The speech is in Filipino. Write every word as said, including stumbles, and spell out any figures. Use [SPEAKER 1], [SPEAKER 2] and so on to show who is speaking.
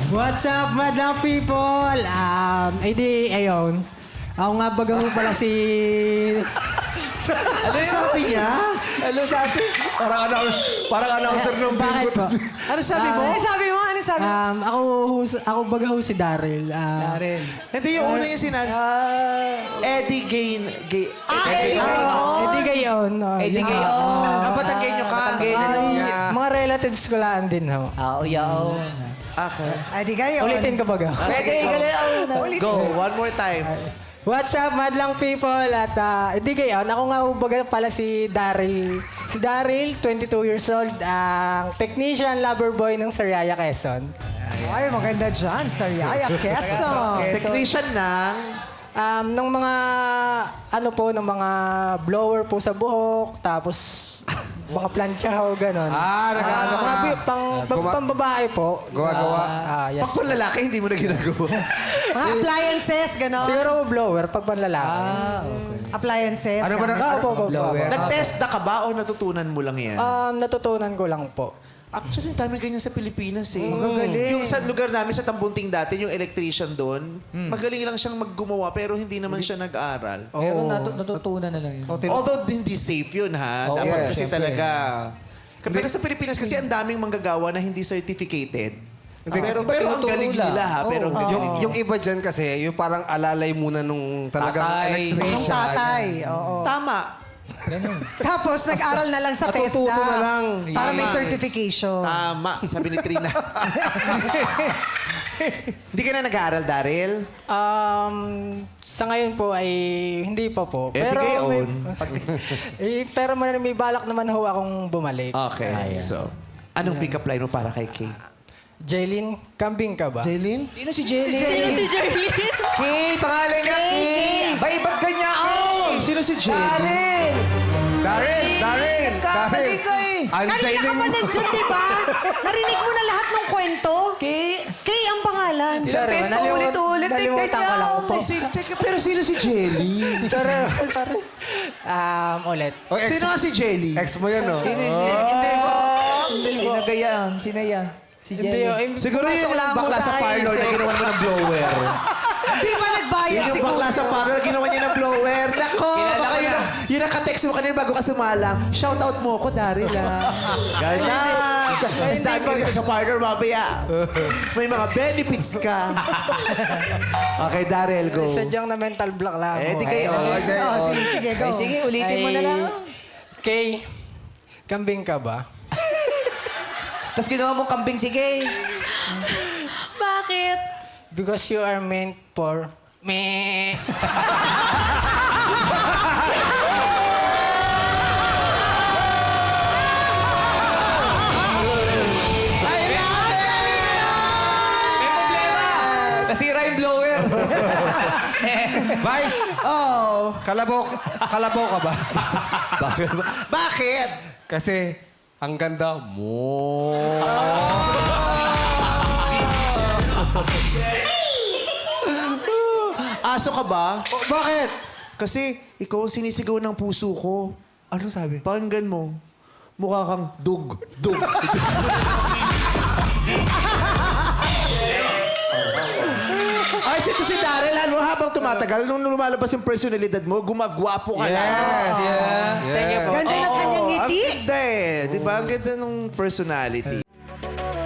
[SPEAKER 1] What's up, madlang people? Um, ay di, ayun. Ako nga baga ho pala si...
[SPEAKER 2] Ano sabi niya?
[SPEAKER 1] Ano sabi?
[SPEAKER 3] Parang, announcer, parang announcer ng
[SPEAKER 1] Bakit
[SPEAKER 3] bingo.
[SPEAKER 1] ba?
[SPEAKER 2] Ano sabi mo?
[SPEAKER 4] Ano sabi mo? Ano sabi mo?
[SPEAKER 1] Um, ako, ho- ako baga ho si Daryl. Um,
[SPEAKER 2] Daryl.
[SPEAKER 5] Hindi yung una yung sinabi. Eddie Gain. Gay,
[SPEAKER 4] Ah, Eddie Gayon.
[SPEAKER 1] Eh di gayon. oh,
[SPEAKER 2] Eddie
[SPEAKER 1] yun.
[SPEAKER 2] Gayon.
[SPEAKER 5] Ah, Batanggenyo ka.
[SPEAKER 1] Ay, mga relatives ko lang din ho.
[SPEAKER 2] Ah, yaw.
[SPEAKER 5] Okay.
[SPEAKER 4] Ay, di kayo.
[SPEAKER 1] Ulitin ko baga.
[SPEAKER 2] Pwede, galing.
[SPEAKER 5] Go, one more time.
[SPEAKER 1] What's up, madlang people? At uh, hindi gayon, ako nga ho baga pala si Daryl. Si Daryl, twenty-two years old, ang technician lover boy ng Sariaya, Quezon.
[SPEAKER 4] Ay, maganda dyan. Sariaya, Quezon.
[SPEAKER 5] Technician ng...
[SPEAKER 1] Um, ng mga, ano po, ng mga blower po sa buhok, tapos mga plancha ho, gano'n.
[SPEAKER 3] Ah, nag-ano ka.
[SPEAKER 1] mga bi- pang, pang,
[SPEAKER 3] Guma-
[SPEAKER 1] pambabae po.
[SPEAKER 3] Gawa-gawa.
[SPEAKER 1] Ah, yes.
[SPEAKER 5] Pag kung lalaki, hindi mo na ginagawa.
[SPEAKER 4] Mga appliances, gano'n.
[SPEAKER 1] Siguro blower, pag panlalaki.
[SPEAKER 2] Ah, okay.
[SPEAKER 4] Appliances.
[SPEAKER 3] Ano ba na?
[SPEAKER 1] Ah, opo, opo, opo.
[SPEAKER 2] Blower.
[SPEAKER 5] Nag-test na ka ba o natutunan mo lang yan?
[SPEAKER 1] Um, natutunan ko lang po.
[SPEAKER 5] Actually, dami ganyan sa Pilipinas eh.
[SPEAKER 4] Magagaling.
[SPEAKER 5] Yung sa lugar namin sa Tambunting dati, yung electrician doon, magaling lang siyang maggumawa pero hindi naman siya nag-aral.
[SPEAKER 2] Pero natu- natutunan na lang yun.
[SPEAKER 5] Although hindi safe yun ha.
[SPEAKER 2] Oo,
[SPEAKER 5] Dapat
[SPEAKER 3] yes,
[SPEAKER 5] kasi
[SPEAKER 2] syempre.
[SPEAKER 5] talaga. Pero sa Pilipinas kasi ang daming manggagawa na hindi certificated. Pero,
[SPEAKER 2] kasi
[SPEAKER 5] pero ang
[SPEAKER 2] tinuturo
[SPEAKER 5] galing
[SPEAKER 2] lang.
[SPEAKER 5] nila ha. Pero ang galing.
[SPEAKER 3] Yung, yung iba dyan kasi, yung parang alalay muna nung talagang
[SPEAKER 2] Tatay.
[SPEAKER 4] Yung
[SPEAKER 3] electrician.
[SPEAKER 4] tatay. Oo.
[SPEAKER 5] Tama.
[SPEAKER 2] Ganun.
[SPEAKER 4] Tapos, nag-aral na lang sa
[SPEAKER 3] Matututo
[SPEAKER 4] TESDA.
[SPEAKER 3] na lang.
[SPEAKER 4] Para may
[SPEAKER 3] Tama.
[SPEAKER 4] certification.
[SPEAKER 5] Tama. Sabi ni Trina. Hindi ka na nag-aaral, Daryl?
[SPEAKER 1] Um, sa ngayon po ay hindi pa po.
[SPEAKER 5] Eh, di
[SPEAKER 1] Pero
[SPEAKER 5] gayon.
[SPEAKER 1] may, eh, pero may, may balak naman ho akong bumalik.
[SPEAKER 5] Okay. So, anong pick-up line mo para kay Kay?
[SPEAKER 1] Jaylin, kambing ka ba?
[SPEAKER 3] Jaylin?
[SPEAKER 2] Sino si Jelly?
[SPEAKER 4] Sino si Jerlyn?
[SPEAKER 2] Kay, pangalan niya Kay. Bay, ba't ganyan? Oh!
[SPEAKER 5] Sino si Jelly?
[SPEAKER 2] Daryl!
[SPEAKER 3] Daryl! Daryl!
[SPEAKER 2] Nagkamali ka eh.
[SPEAKER 3] Ang
[SPEAKER 4] Kanina ka
[SPEAKER 3] Jaylin
[SPEAKER 4] pa
[SPEAKER 3] mo.
[SPEAKER 4] nandiyan, di ba? Narinig mo na lahat ng kwento?
[SPEAKER 2] Kay.
[SPEAKER 4] Kay ang pangalan.
[SPEAKER 1] Sorry,
[SPEAKER 2] beses pa
[SPEAKER 1] nalimut-
[SPEAKER 2] ulit-ulit, eh,
[SPEAKER 1] nalimutan ko lang
[SPEAKER 2] ganyan.
[SPEAKER 1] po.
[SPEAKER 5] Si- teka, pero sino si Jelly?
[SPEAKER 1] sorry, sorry. Um, ulit.
[SPEAKER 3] Oh, ex,
[SPEAKER 5] Sino nga si Jelly?
[SPEAKER 3] ex mo yan, oh.
[SPEAKER 2] Sino siya? Hindi po. Sino gayaan? Sino yan? Si
[SPEAKER 1] Hindi,
[SPEAKER 2] Jelly.
[SPEAKER 1] oh, eh,
[SPEAKER 5] Siguro yun
[SPEAKER 1] pumasok lang
[SPEAKER 5] yung
[SPEAKER 1] ako
[SPEAKER 5] bakla sa parlor na
[SPEAKER 1] isip.
[SPEAKER 5] ginawa mo ng blower.
[SPEAKER 4] Di ba nagbayad
[SPEAKER 5] Yun yung
[SPEAKER 4] siguro?
[SPEAKER 5] bakla sa parlor na ginawa niya ng blower. Nako,
[SPEAKER 2] Kilala
[SPEAKER 5] baka
[SPEAKER 2] ko
[SPEAKER 5] yun,
[SPEAKER 2] na.
[SPEAKER 5] ang- yun ang ka-text mo kanina bago ka sumalang. Shout out mo ako, Daryl ah. Ganyan. Mas dami ka dito sa parlor, mamaya. May mga benefits ka. Okay, Daryl, go.
[SPEAKER 1] Sadyang na mental block lang
[SPEAKER 5] Eh,
[SPEAKER 1] ako.
[SPEAKER 5] di kayo.
[SPEAKER 3] Okay,
[SPEAKER 4] Oh,
[SPEAKER 3] oh.
[SPEAKER 4] sige, go.
[SPEAKER 2] Ay, sige, ulitin mo na lang.
[SPEAKER 1] Kay, kambing ka ba?
[SPEAKER 2] Tapos ginawa mong kambing si Kay.
[SPEAKER 4] Bakit?
[SPEAKER 1] Because you are meant for me.
[SPEAKER 2] Nasira yung blower.
[SPEAKER 3] Vice!
[SPEAKER 5] Oh.
[SPEAKER 3] Kalabaw, kalabaw ka ba?
[SPEAKER 5] Bakit? ba? Bakit?
[SPEAKER 3] Kasi, ang ganda mo.
[SPEAKER 5] Aso ka ba?
[SPEAKER 3] Oh, bakit?
[SPEAKER 5] Kasi ikaw ang sinisigaw ng puso ko.
[SPEAKER 3] Ano sabi?
[SPEAKER 5] Pakinggan mo. Mukha kang dug, dug. Ay, ito si Daryl. Ano, habang tumatagal, nung lumalabas yung personalidad mo, gumagwapo ka lang.
[SPEAKER 3] Yes. Yeah.
[SPEAKER 1] Thank you po.
[SPEAKER 4] Ganda ng kanyang
[SPEAKER 5] Oo,
[SPEAKER 4] ngiti.
[SPEAKER 5] Ang ganda eh. Di ba? Ang ganda ng personality.